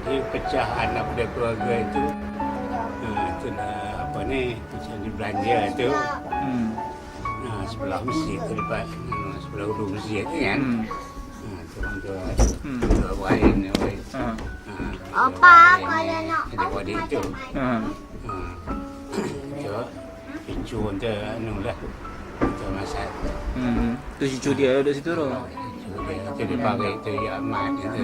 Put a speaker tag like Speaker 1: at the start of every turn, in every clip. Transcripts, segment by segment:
Speaker 1: Jadi pecahan daripada keluarga itu, itulah apa ni, macam di belanja tu, sebelah masjid tu depan, sebelah hulu masjid tu kan. Tuan Wain.
Speaker 2: Apa kalau nak
Speaker 1: adik itu. Cucu tu anu lah. Tu masak.
Speaker 3: Tu cucu dia duduk situ tu.
Speaker 1: Cucu dia pakai tu ya amat tu.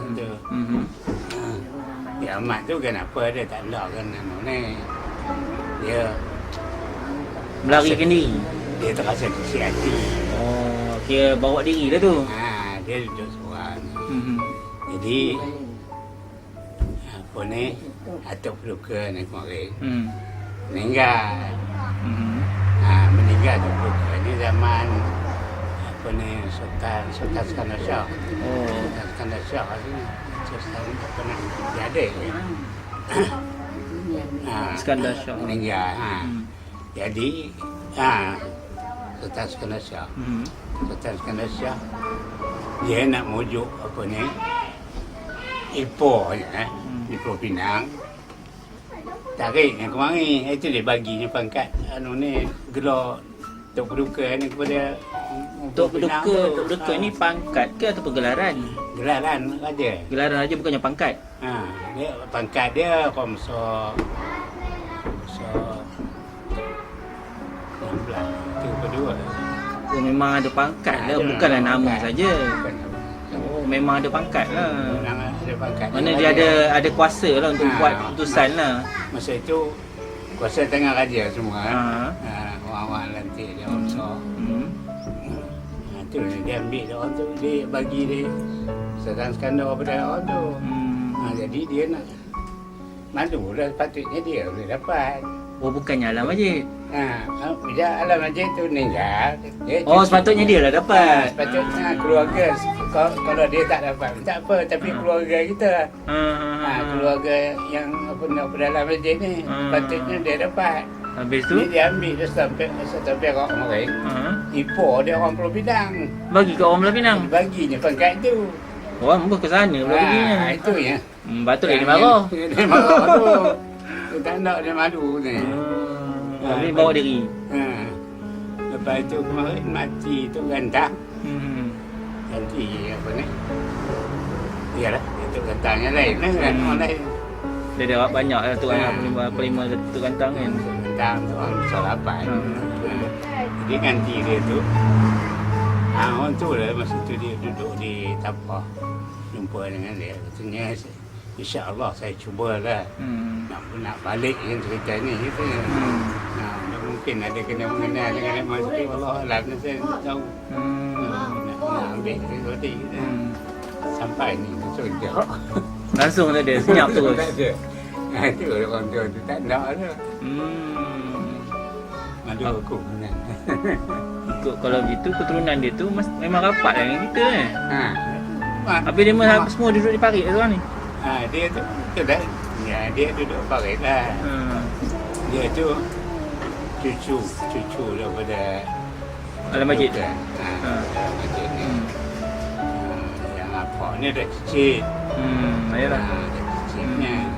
Speaker 1: Ya amat tu kenapa dia tak nak kan anu ni. Dia
Speaker 3: melarikan diri.
Speaker 1: Dia terasa kecil hati.
Speaker 3: Oh, kira bawa diri lah tu.
Speaker 1: Dia duduk seorang. Jadi apa ni, atuk peluka ni kemarin meninggal. Meninggal atuk peluka ni zaman apa ni, Sultan Iskandar Shah. Sultan Iskandar Shah ni Sultan apa ni, dia ada
Speaker 3: Iskandar Shah
Speaker 1: meninggal. Jadi Sultan Iskandar Shah. Sultan Iskandar Shah dia nak mujuk apa ni, Ipoh je Ipoh Pinang. Tarik yang kemarin, itu dia baginya pangkat anu ni, gelar Tok Paduka ni kepada
Speaker 3: Tok Paduka ni pangkat ke atau gelaran?
Speaker 1: Gelaran raja.
Speaker 3: Gelaran raja bukannya pangkat.
Speaker 1: Dia pangkat dia Komsor 16 tu kedua.
Speaker 3: Oh, memang ada pangkat lah, bukanlah nama saja. Oh, memang ada pangkat lah.
Speaker 1: Ada pangkat.
Speaker 3: Mana dia ada kuasa lah untuk buat keputusan lah.
Speaker 1: Masa itu kuasa tangan raja semua. Orang-orang lantik dia Komsor. Itu dia ambil dia orang tu, dia bagi dia Sultan Iskandar pada orang tu. Jadi dia nak malu lah, patutnya dia boleh dapat.
Speaker 3: Oh, bukannya Alam Majid.
Speaker 1: Bila Alam Majid tu meninggal.
Speaker 3: Sepatutnya dia lah dapat.
Speaker 1: Sepatutnya keluarga. Kalau dia tak dapat, tak apa. Tapi keluarga kita, keluarga yang apa nak Alam Majid ni, patutnya dia dapat.
Speaker 3: Habis tu?
Speaker 1: Dia ambil dia Sultan Perak kemarin. Ipoh dia orang Pulau Pinang.
Speaker 3: Bagi ke orang Pulau Pinang?
Speaker 1: Baginya pangkat tu.
Speaker 3: Orang ke sana pula baginya.
Speaker 1: Itu ya.
Speaker 3: Patutlah dia marah.
Speaker 1: Dia marah tu. Dia tak nak, dia malu ni.
Speaker 3: Habis bawa diri.
Speaker 1: Lepas itu kemarin mati tu gantang. Ganti apa ni? Iyalah, itu gantangnya lain lah kan, orang lain.
Speaker 3: Dia ada banyak lah tu kan, pelima tu gantang kan.
Speaker 1: Gantang tu orang besar lapan. Jadi ganti dia tu. Orang tu lah, masa tu dia duduk di Tapah. Jumpa dengan dia. Katanya, insya-Allah saya cubalah nak balik yang cerita ni gitu. Mungkin ada kena mengenal dengan Mak Siti, Allah alam, saya tak tahu. Nak ambil sesuatu gitu. Sampai ni sejak.
Speaker 3: Langsung tak ada, senyap terus.
Speaker 1: Tak ada. Itu orang tu tak nak lah. Malu aku kan.
Speaker 3: Ikut kalau gitu keturunan dia tu memang rapat lah dengan kita kan. Habis dia semua duduk di parit lah ni.
Speaker 1: Dia tu dah. Ya, dia duduk parit lah. Dia tu cucu daripada
Speaker 3: Alam Majid.
Speaker 1: Alam Majid ni. Yang apa ni dah kecil.
Speaker 3: Ayalah.
Speaker 1: Dah kecilnya.